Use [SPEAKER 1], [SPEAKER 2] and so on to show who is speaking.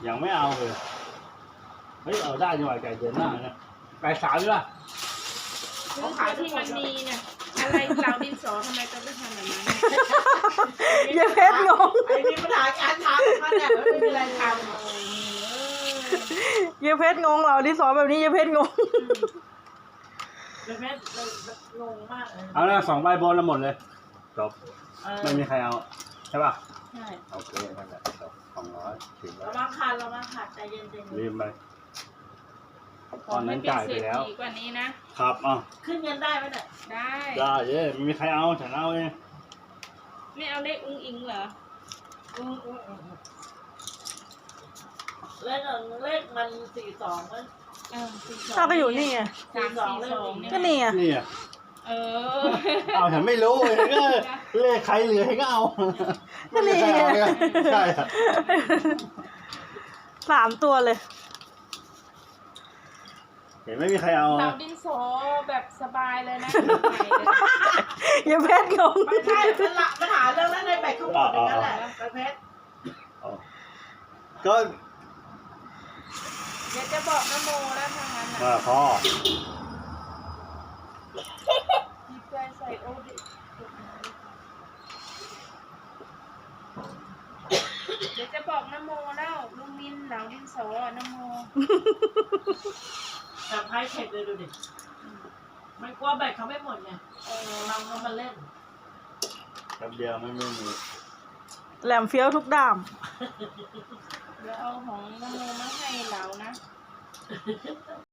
[SPEAKER 1] ยังไม่เอาเลยเฮ้ยเอาได้ดีกว่าไก่เดือนหน้าเนี่ยไก่สาวดีป่ะ
[SPEAKER 2] คือที่มันมีเนี่ยอะไรเหล่าดินสอทำไมต้องไปทำแบบนั้น
[SPEAKER 3] ยายเพชรงง
[SPEAKER 4] ไอ้มีปัญหาการทำมันเนี่ยไม่มีอะไรท
[SPEAKER 3] ยายเพชรงงเราที่สอนแบบนี้ยายเพชรงง
[SPEAKER 4] ำเลยแม่งงมากเลย
[SPEAKER 1] เอาละ2 ใบบนแล้วหมดเลยจบไม่มีใครเอาใช่ป่ะ
[SPEAKER 4] ใช่
[SPEAKER 1] โอเคนั่นแหละจบ200ถึงแล้ว
[SPEAKER 4] เรามาขาดใจเย็น
[SPEAKER 1] ลืมไป
[SPEAKER 2] ขอให้เป็นเศรษฐีกว่านี้นะครับ
[SPEAKER 4] ขึ้นเงินได้ไหมเนี่ย
[SPEAKER 2] ได้
[SPEAKER 1] ได้เย้ไม่มีใครเอาฉันเอาเอง
[SPEAKER 2] ไม่เอาเลขอุ้งอิงเหรอ
[SPEAKER 4] เลขมัน42มั้ง
[SPEAKER 3] ถ้าก็อยู่นี่ไง
[SPEAKER 2] 342เนี่ย
[SPEAKER 3] ก็นี่ไง
[SPEAKER 1] นี่อ่ะ
[SPEAKER 2] เออ
[SPEAKER 1] เอาฉันไม่รู้เลยก็เลขใครเหลือให้ก็เอาไม่มีใครเอาเนี่ยใช่อะ
[SPEAKER 3] 3 ตัวเลย
[SPEAKER 1] เห็นไม่มีใครเอา
[SPEAKER 2] เหล่าดินสอแบบสบายเลยนะ
[SPEAKER 3] ยายเพชรงง
[SPEAKER 4] ไม่ใช่ปัญหาเรื่องนั้นในแบกข้าวหมดอย่างนั้นแหละประเภท
[SPEAKER 1] ก็
[SPEAKER 2] เดี๋ยวจะบอกนโมแล้วทางนั้นนะ
[SPEAKER 1] พ่อ
[SPEAKER 2] หยิบใจใส่โอดิเดี๋ยวจะบอกนโมแล้วลุงมินเหล่าดินสอนโม
[SPEAKER 4] แต่ไพ่เช็คเลยดูดิมันกลัวแบกเขาไม่หมดไงเราก็มาเล่น
[SPEAKER 1] แป๊บเดียวไม่มี
[SPEAKER 3] แหลมเฟี้ยวทุกด้าม
[SPEAKER 2] เดี๋ยวเอาของนโมมาให้เหล่านะ